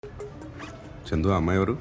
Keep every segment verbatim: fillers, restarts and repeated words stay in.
చందు అమ్మాయి ఎవరు?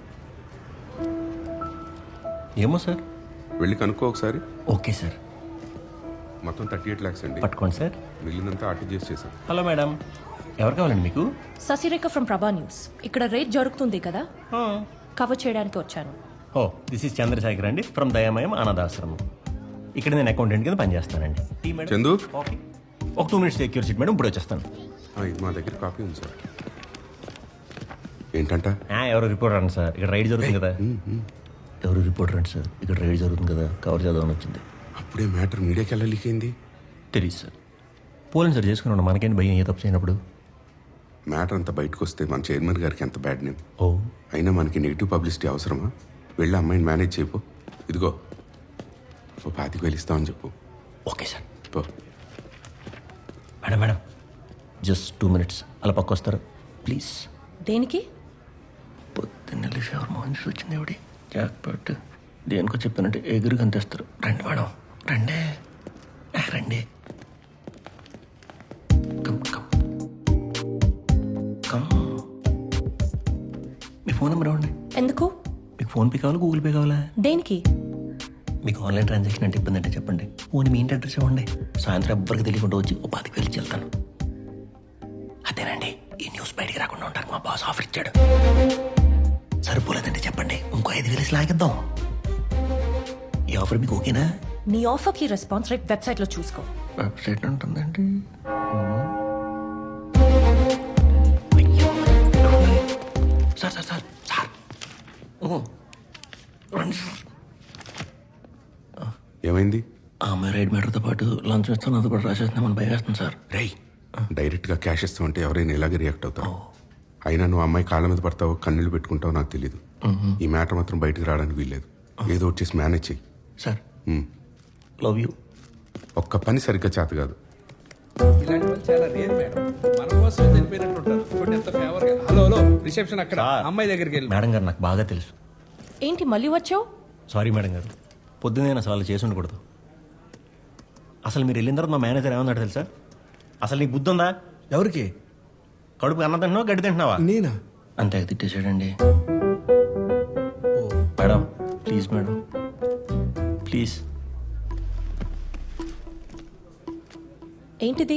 ఏమో సార్, వెళ్ళి కనుక్కో ఒకసారి. Okay sir. మొత్తం థర్టీ ఎయిట్ ల్యాక్స్ అండి. పట్టుకోండి సార్. మిగిలినంతా ఆర్టీజీఎస్ చేశాం. హలో మేడం, ఎవరు కావాలండి మీకు? Sasirekha from Prabha news. ఇక్కడ రేట్ జరుగుతుంది కదా, కవర్ చేయడానికి వచ్చాను. ఓ దిస్ ఇస్ చంద్రశేఖర్ అండి ఫ్రమ్ దయామయం అనాథాశ్రమం. ఇక్కడ నేను అకౌంటెంట్ కింద పనిచేస్తానండి. Tea madam? చందు కాఫీ ఒక two minutes secure seat madam, ఇప్పుడు వచ్చేస్తాను. ఆ, ఇది మా దగ్గర కాపీ ఉంది సార్. ఏంటంట? ఆ, ఎవరు రిపోర్టర్ అండి సార్, ఇక్కడ రైడ్ జరుగుతుంది కదా. ఎవరు రిపోర్టర్ అండి సార్, ఇక్కడ రైడ్ జరుగుతుంది కదా, కవర్ చేద్దామని వచ్చింది. అప్పుడే మ్యాటర్ మీడియాకి ఎలా లీక్ అయింది? తెలియదు సార్. పోలేం సార్, చేసుకున్నాను. మనకేంటి భయం ఏ తప్పు చేయనప్పుడు. మ్యాటర్ అంతా బయటకు వస్తే మన చైర్మన్ గారికి ఎంత బ్యాడ్ నేమ్. ఓ అయినా మనకి నెగిటివ్ పబ్లిసిటీ అవసరమా? వెళ్ళి అమ్మాయిని మేనేజ్ చేయపో. ఇదిగో ఓ పాతికి వెళ్ళిస్తామని చెప్పు. Okay sir. పో. Madam madam just two minutes అలా పక్క వస్తారు ప్లీజ్. దేనికి? పొద్దున్న ఫేవర్ మోహన్ వచ్చింది ఎవడి జాక్ పట్టు దేనికో చెప్పానంటే ఎగురు కనిపిస్తారు. రండి మేడం రండి ఆ, రండి కమ్ కమ్ కమ్. మీ ఫోన్ నెంబర్ ఇవ్వండి. ఎందుకు? మీకు ఫోన్ పే కావాలా గూగుల్ పే కావాలా? దేనికి? మీకు ఆన్లైన్ ట్రాన్సాక్షన్ అంటే ఇబ్బంది అంటే చెప్పండి. ఫోన్ మీ ఇంటి అడ్రస్ ఇవ్వండి. సాయంత్రం ఎవ్వరికి తెలియకుండా వచ్చి ఓ పాతికి వెళ్ళి వెళ్తాను. అదేనండి, ఈ న్యూస్ బయటికి రాకుండా ఉంటానికి మా బాస్ ఆఫర్ ఇచ్చాడు. సరిపోలేదంటే చెప్పండి, ఇంకో ఐదు వేలు లాగిద్దాం. ఈ ఆఫర్ మీకు ఓకేనా? నీ ఆఫర్ కి రెస్పాన్స్ రేట్ వెబ్సైట్ లో చూసుకో. వెబ్సైట్ ఉంటుందండి. సార్ సార్ సార్ సార్ రండి సార్. ఏమైంది? ఆ అమ్మాయి రైడ్ మ్యాటర్తో పాటు లంచ్ ఇస్తాను అది కూడా రాసేస్తున్నామని భయం వేస్తుంది సార్. రేయ్, డైరెక్ట్గా క్యాష్ ఇస్తామంటే ఎవరైనా ఇలాగే రియాక్ట్ అవుతావు. అయినా నువ్వు అమ్మాయి కాళ్ళ మీద పడతావు, కన్నీళ్ళు పెట్టుకుంటావు నాకు తెలియదు. ఈ మ్యాటర్ మాత్రం బయటకు రావడానికి వీల్లేదు. ఏదో వచ్చేసి మేనేజ్ చెయ్యి. Sir love you. ఒక్క పని సరిగ్గా చేత కాదు. ఇలాంటి వాళ్ళు చాలా రేర్ మేడం. మన కోసం చనిపోయినట్టు ఉంటారు. చూడండి ఎంత ఫేవర్ గా. హలో హలో రిసెప్షన్ అక్కడ అమ్మాయి దగ్గరికి వెళ్ళి. మేడం గారు నాకు బాగా తెలుసు. ఏంటి మళ్ళీ వచ్చావు? సారీ మేడం గారు, పొద్దున్నే అసలు వాళ్ళు చేసి ఉండకూడదు. అసలు మీరు వెళ్ళిన తర్వాత మా మేనేజర్ ఏమన్నాడు తెలుసా? అసలు నీకు బుద్ధి ఉందా? ఎవరికి? కడుపు అన్నం తింటున్నావా గడ్డి తింటున్నావా? నేనా? అంతే తిట్టేశాడండి. Madam please madam please. ఏంటిది?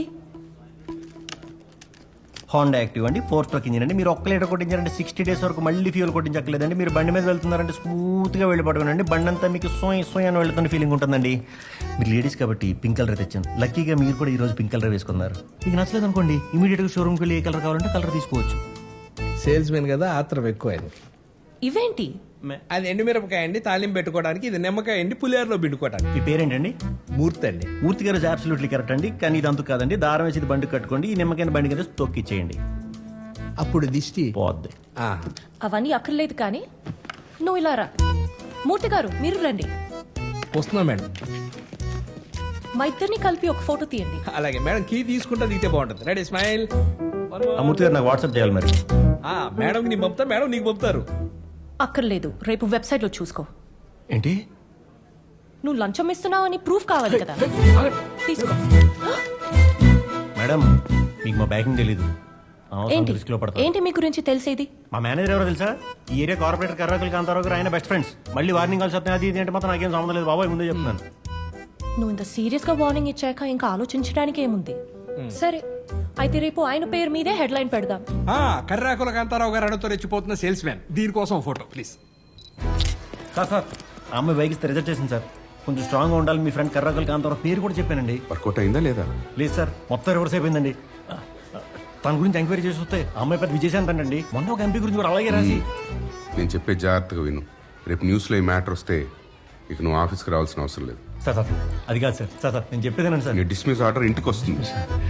హోండా యాక్టివ్ అండి, ఫోర్ స్ట్రోక్ ఇంజిన్ అండి. మీరు ఒక్క లీటర్ కొట్టించారంటే సిక్స్టీ డేస్ వరకు మళ్ళీ ఫ్యూల్ కొట్టించక్కలేదండి. మీరు బండి మీద వెళ్తున్నారంటే స్మూత్గా వెళ్ళిపడుకోండి. బండి అంతా మీకు సోయ్ సోయ్ అని వెళ్తున్న ఫీలింగ్ ఉంటుందండి. మీరు లేడీస్ కాబట్టి పింక్ కలర్ తెచ్చాను. లక్కీగా మీరు కూడా ఈ రోజు పింక్ కలర్ వేసుకున్నారు. మీకు నచ్చలేదు అనుకోండి, ఇమీడియట్గా షోరూమ్కి వెళ్ళి ఏ కలర్ కావాలంటే కలర్ తీసుకోవచ్చు. సేల్స్ మెన్ కదా, ఆత్రం ఎక్కువ ఆయనకి. ఇవేంటి? అది ఎండుమిరపకాయ అండి, తాలింపు పెట్టుకోవడానికి. ఇది నిమ్మకాయ అండి, పులిహోరలో పిండుకోవడానికి. మీ పేరేంటండి? మూర్తి అండి. మూర్తి గారు అబ్సల్యూట్లీ కరెక్ట్ అండి. కానీ ఇది అంతకు కాదండి. దారం వేసి బండి కట్టుకోండి. ఈ నిమ్మకాయ బండి కదా తొక్కిచ్చేయండి, అప్పుడు దిష్టి పోద్ది. ఆ, అవన్నీ అక్కర్లేదు కానీ నువ్వు ఇలా రా. మూర్తి గారు మీరు రండి. వస్తున్నా మేడం. మా ఇద్దరిని కలిపి ఒక ఫోటో తీయండి. అలాగే మేడం, కీ తీసుకుంటా దిగితే బాగుంటుంది. Ready smile. ఆ మూర్తి గారు నాకు వాట్సాప్ చేయాలి మరి. మేడం నీకు పంపుతా, మేడం నీకు పంపుతారు. అక్కర్లేదు, రేపు వెబ్సైట్ లో చూసుకో. ఏంటి? నువ్వు లంచం ఇస్తున్నావు అని ప్రూఫ్ కావాలి కదా, తీసుకో. మేడం మీకు మా బ్యాకింగ్ తెలీదు. ఏంటి రిస్క్ లో పడతారు. ఏంటి మీ గురించి తెలిసేది? మా మేనేజర్ ఎవరో తెలుసా? ఈ ఏరియా కార్పొరేటర్ కర్రాకులు కాంతారావు గారు ఆయన బెస్ట్ ఫ్రెండ్స్. మళ్ళీ వార్నింగ్ కాల్స్ వస్తాయి అది ఇది అంటే మాత్రం నాకేం సంబంధం లేదు బాబాయ్, ముందే చెప్తున్నాను. నువ్వు ఇంత సీరియస్ గా వార్నింగ్ ఇచ్చాక ఇంకా ఆలోచించడానికి ఏముంది? సరే అయితే రేపు ఆయన పేరు మీదే హెడ్ లైన్ పెడదాం. కర్రాకుల కాంతారావు గారు అడుగుతూ రెచ్చిపోతున్న సేల్స్ మ్యాన్. దీనికోసం ఫోటో ప్లీజ్. సార్ సార్ ఆ అమ్మాయి బైక్ ఇస్తే రిజెక్ట్ చేసింది సార్. కొంచెం స్ట్రాంగ్గా ఉండాలి. మీ ఫ్రెండ్ కర్రాకులు కాంతారావు పేరు కూడా చెప్పానండి. వర్కౌట్ అయిందా లేదా? లేదు సార్, మొత్తం రివర్స్ అయిపోయిందండి. తన గురించి ఎంక్వైరీ చేసి వస్తే ఆ అమ్మాయి పెద్ద విజయశాంత్ అండి. మొన్న ఒక ఎంపీ గురించి కూడా అలాగే రాసి. నేను చెప్పే జాగ్రత్తగా విను. రేపు న్యూస్లో ఈ మ్యాటర్ వస్తే ఇక నువ్వు ఆఫీస్కి రావాల్సిన అవసరం లేదు. సార్ సార్ అది కాదు సార్. సార్ సార్ నేను చెప్పేదేనండి సార్. నీ డిస్మిస్ ఆర్డర్ ఇంటికి వస్తుంది.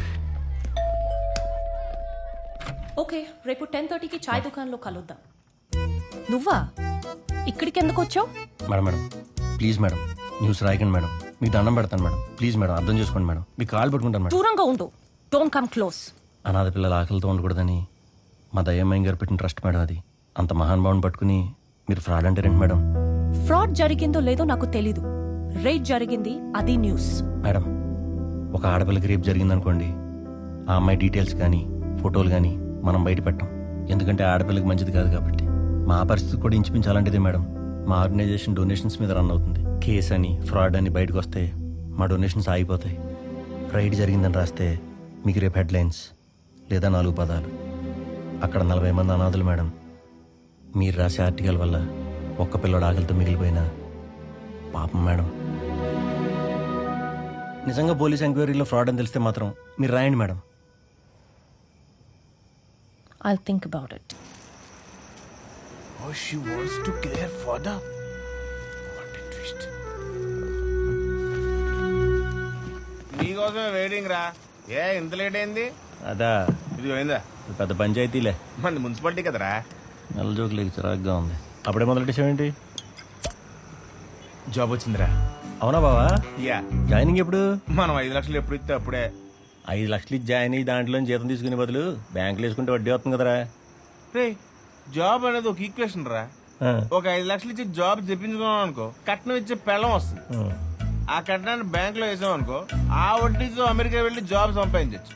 ఓకే, రేపు టెన్ థర్టీకి చాయ్ దుకాణంలో కలుద్దాం. నువ్వా ఇక్కడికి ఎందుకు వచ్చావు? Madam madam please madam news రాయకండి మేడం. మీకు దండం పెడతాను మేడం. ప్లీజ్ మేడం అర్థం చేసుకోండి మేడం. మీకు కాల్ పెట్టుకుంటాను మేడం. దూరంగా ఉండు. Don't come close. అనాథ పిల్లల ఆకలితో ఉండకూడదని మా దయ్యమ్మాయి గారు పెట్టిన ట్రస్ట్ మేడం అది. అంత మహానుభావుని పట్టుకుని మీరు ఫ్రాడ్ అంటే రండి మేడం. ఫ్రాడ్ జరిగిందో లేదో నాకు తెలీదు. రేట్ జరిగింది, అది న్యూస్. మేడం ఒక ఆడపిల్లకి రేపు జరిగిందనుకోండి, ఆ అమ్మాయి డీటెయిల్స్ కానీ ఫోటోలు కానీ మనం బయట పెట్టాం. ఎందుకంటే ఆడపిల్లకి మంచిది కాదు కాబట్టి. మా పరిస్థితి కూడా ఇంచుమించు అలాంటిదే మేడం. మా ఆర్గనైజేషన్ డొనేషన్స్ మీద రన్ అవుతుంది. కేస్ అని ఫ్రాడ్ అని బయటకు వస్తే మా డొనేషన్స్ ఆగిపోతాయి. రైడ్ జరిగిందని రాస్తే మీకు రేపు హెడ్లైన్స్ లేదా నాలుగు పదాలు. అక్కడ నలభై మంది అనాథులు మేడం. మీరు రాసే ఆర్టికల్ వల్ల ఒక్క పిల్లడు ఆకలితో మిగిలిపోయినా పాపం మేడం. నిజంగా పోలీస్ ఎంక్వైరీలో ఫ్రాడ్ అని తెలిస్తే మాత్రం మీరు రాయండి madam. I think about it. Oh, she wants to kill her father. What a twist. నీకోసమే వెయిటింగ్ రా. ఏ ఇంత లేట్ అయింది? అదా ఇది పోయిందా? ఇది పెద్ద పంచాయతీలే. మన మున్సిపాలిటీ కదరా. నెల జోకులు చిరాగ్గా ఉంది. అప్పుడే మొదలెట్టేసావేంటి? జాబ్ వచ్చిందిరా. అవునా బావా? యా, జాయినింగ్ ఎప్పుడు? మనం ఐదు లక్షలు ఎప్పుడు ఇస్తే అప్పుడే. ఐదు లక్షలు ఇచ్చి జాయిన్ అయ్యి దాంట్లో జీతం తీసుకునే బదులు బ్యాంకులో వేసుకుంటే వడ్డీ వస్తుంది కదరా. రే, జాబ్ అనేది ఒక ఈక్వేషన్ రా. ఆ, ఒక ఐదు లక్షలు ఇచ్చి జాబ్ చెప్పించుకున్నాం అనుకో, కట్నం ఇచ్చే పెళ్ళం వస్తుంది. ఆ. ఆ కట్నాన్ని బ్యాంక్ లో వేసాం అనుకో, ఆ వడ్డీతో అమెరికా వెళ్ళి జాబ్ సంపాదించచ్చు.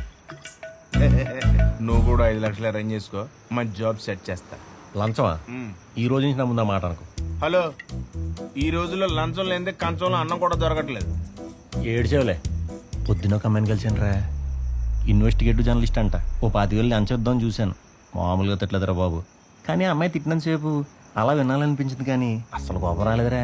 నువ్వు కూడా ఐదు లక్షలు అరేంజ్ చేసుకో, మంచి జాబ్ సెట్ చేస్తా. లంచమా? ఈ రోజు నుంచి నా ముందు ఆ మాట అనుకో. హలో, ఈ రోజుల్లో లంచం లేదే కంచంలో అన్నం కూడా దొరకట్లేదు. ఏడ్చేవులే. పొద్దున ఒక అమ్మాయిని కలిసాను రా. ఇన్వెస్టిగేటివ్ జర్నలిస్ట్ అంట. ఓ పాతి వేలు లంచేద్దామని చూశాను. మామూలుగా తిట్టలేదురా బాబు. కానీ ఆ అమ్మాయి తిట్టినంతసేపు అలా వినాలనిపించింది కానీ అసలు కోపం రాలేదురా.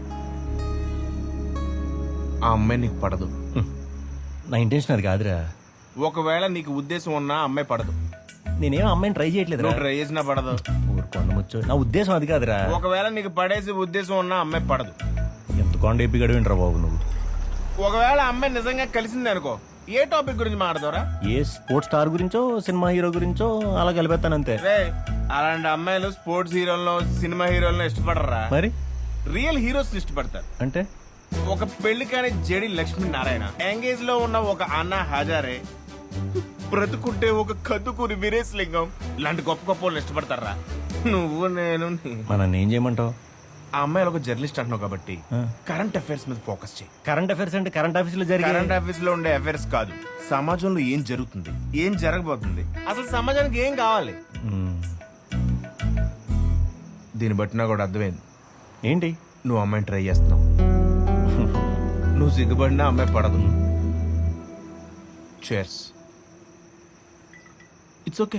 ఆ అమ్మాయి నీకు పడదు. హ్మ్. నా ఇంటెన్షన్ అది కాదురా. ఒకవేళ నీకు ఉద్దేశం ఉన్నా ఆ అమ్మాయి పడదు. నేనేం అమ్మాయిని ట్రై చేయట్లేదు. నువ్వు ట్రై చేసినా పడదు. ఊరుకోండి ముచ్చు. నా ఉద్దేశం అది కాదురా. ఒకవేళ నీకు పడేసి ఉద్దేశం ఉన్నా ఆ అమ్మాయి పడదు. ఎంత కొండ ఎప్పి గడివింటరా బాబు నువ్వు. ఒకవేళ ఆ అమ్మాయి నిజంగా కలిసింది అనుకో, ఏ టాపిక్ గురించి మాట్లాడతారా? ఏ స్పోర్ట్స్ స్టార్ గురించో సినిమా హీరో గురించో అలా కలిపేస్తాను అంతే. రే, అలాంటి అమ్మాయిలు స్పోర్ట్స్ హీరోలను సినిమా హీరోలను ఇష్టపడరా. మరి రియల్ హీరోస్ ఇష్టపడతారు. అంటే ఒక పెళ్లి కాని జేడి లక్ష్మీ నారాయణ, ఎంగేజ్ లో ఉన్న ఒక అన్నా హజారే, బ్రతుకుంటే ఒక కద్దుకూరి వీరేశ్ లింగం ఇలాంటి గొప్ప గొప్ప వాళ్ళు ఇష్టపడతారా. నువ్వు నేను నీ- మన ఏం చేయమంటావు? ఆ అమ్మాయిలు ఒక జర్నలిస్ట్ అంటున్నావు కాబట్టి ఆ. కరెంట్ అఫైర్స్ మీద ఫోకస్ చేయి. కరెంట్ అఫైర్స్ అంటే కరెంట్ ఆఫీస్ లో జరిగే కరెంట్ అఫైర్స్ లో ఉండే అఫైర్స్ కాదు, సమాజంలో ఏం జరుగుతుంది, ఏం జరగబోతుంది, అసలు సమాజానికి ఏం కావాలి. మ్మ్. దీన్ని బట్టి నాకు కూడా అర్థమైంది, ఏంటి? నువ్వు అమ్మాయిని ట్రై చేస్తున్నావు. నువ్వు సిగ్గుపడినా అమ్మాయి పడదు. చేర్స్. It's okay.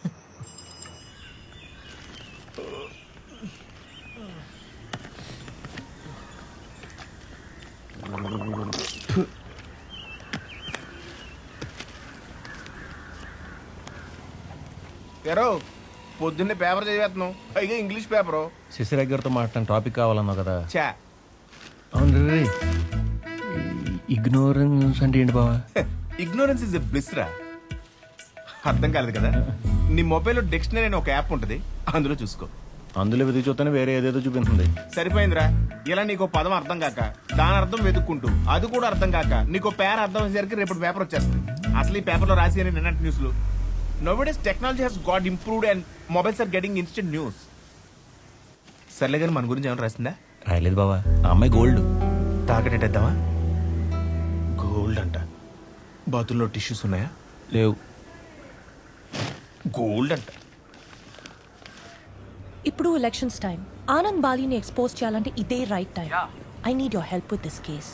ఎరో పొద్దున్నే పేపర్ చదివేస్తున్నావు, పైగా ఇంగ్లీష్ పేపరు. శశిరేఖ గారితో మాట్లాడిన టాపిక్ కావాలన్నావు కదా. చా, అవును రే. ఇగ్నోరెన్స్ అంటే ఏంటి బావా? ఇగ్నోరెన్స్ ఇస్ ఎ బ్లిస్ రా. అర్థం కాలేదు కదా. నీ మొబైల్లో డిక్షనరీ అనే ఒక యాప్ ఉంటుంది, అందులో చూసుకో. అందులో వెతికి చూస్తేనే వేరే ఏదేదో చూపిస్తుంది. సరిపోయిందిరా. ఇలా నీకు పదం అర్థం కాక దాని అర్థం వెతుక్కుంటూ అది కూడా అర్థం కాక నీకు పేర అర్థం అయ్యేసరికి రేపు పేపర్ వచ్చేస్తుంది. అసలు ఈ పేపర్లో రాసి అని నిన్నటి న్యూస్లు. Nowadays technology has got improved and mobiles are getting instant news. సర్లే కానీ మన గురించి ఏమైనా రాసిందా? రాయలేదు బావా. ఆ అమ్మాయి గోల్డ్. తాకటేద్దామా? గోల్డ్ అంట. బాతుల్లో టిష్యూస్ ఉన్నాయా? లేవు. గోల్డ్ అంట. ఇప్పుడు ఎలక్షన్స్ టైం. ఆనంద్ బాలీని ఎక్స్పోజ్ చేయాలంటే ఇదే right time. I need your help with this case.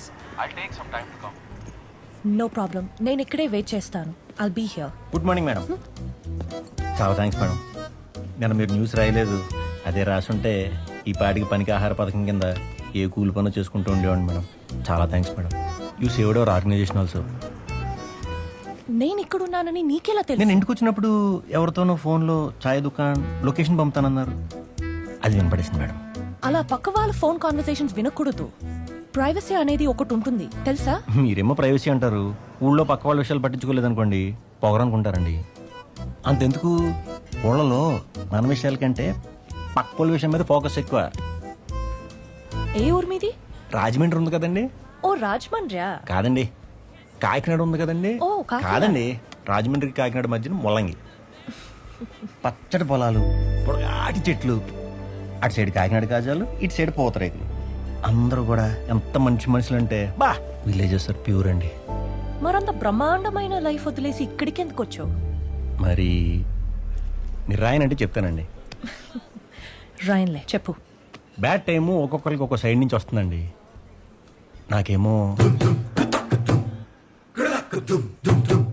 No problem, నేను ఇక్కడే వెయిట్ చేస్తాను. I'll be here. Good morning madam. చాలా థ్యాంక్స్ మేడం. నేను మీరు న్యూస్ రాయలేదు, అదే రాసుంటే ఈ పాటికి పనికి ఆహార పథకం కింద ఏ కూలి పనులు చేసుకుంటూ ఉండేవాడిని మేడం. చాలా thanks madam. You saved our organization also. నేను ఇక్కడ ఉన్నానని నీకెలా తెలుసు? నేను ఇంటికి వచ్చినప్పుడు ఎవరితోనో ఫోన్లో ఛాయ్ దుకాణ్ లొకేషన్ పంపుతానన్నారు. అది వినపడేసింది మేడం. అలా పక్క వాళ్ళ ఫోన్ కాన్వర్సేషన్స్ వినకూడదు. ప్రైవసీ అనేది ఒకటి ఉంటుంది తెలుసా? మీరేమో ప్రైవసీ అంటారు, ఊళ్ళో పక్క వాళ్ళ విషయాలు పట్టించుకోలేదనుకోండి పొగరనుకుంటారండి. అంతెందుకు, ఊళ్ళలో మన విషయాల కంటే పక్క వాళ్ళ విషయం మీద ఫోకస్ ఎక్కువ. ఏ ఊరు మీది? రాజమండ్రి ఉంది కదండి. ఓ రాజమండ్రియా? కాదండి, కాకినాడ ఉంది కదండి. ఓ, కాకినాడ. కాదండి, రాజమండ్రికి కాకినాడ మధ్యన ముల్లంగి. పచ్చటి పొలాలు, పొడగాటి చెట్లు. అటు సైడ్ కాకినాడ కాజాలు, ఇటు సైడ్ పూతరేకులు. అందరూ కూడా ఎంత మంచి మనుషులు అంటే బా విలేజెస్ ఆర్ ప్యూర్ అండి. మరంత బ్రహ్మాండమైన లైఫ్ వదిలేసి ఇక్కడికి ఎందుకు వచ్చావు? మరి మీరు రాయనంటే చెప్తానండి. రాయన్లే చెప్పు. బ్యాడ్ టైము ఒక్కొక్కరికి ఒక్కో సైడ్ నుంచి వస్తుందండి. నాకేమో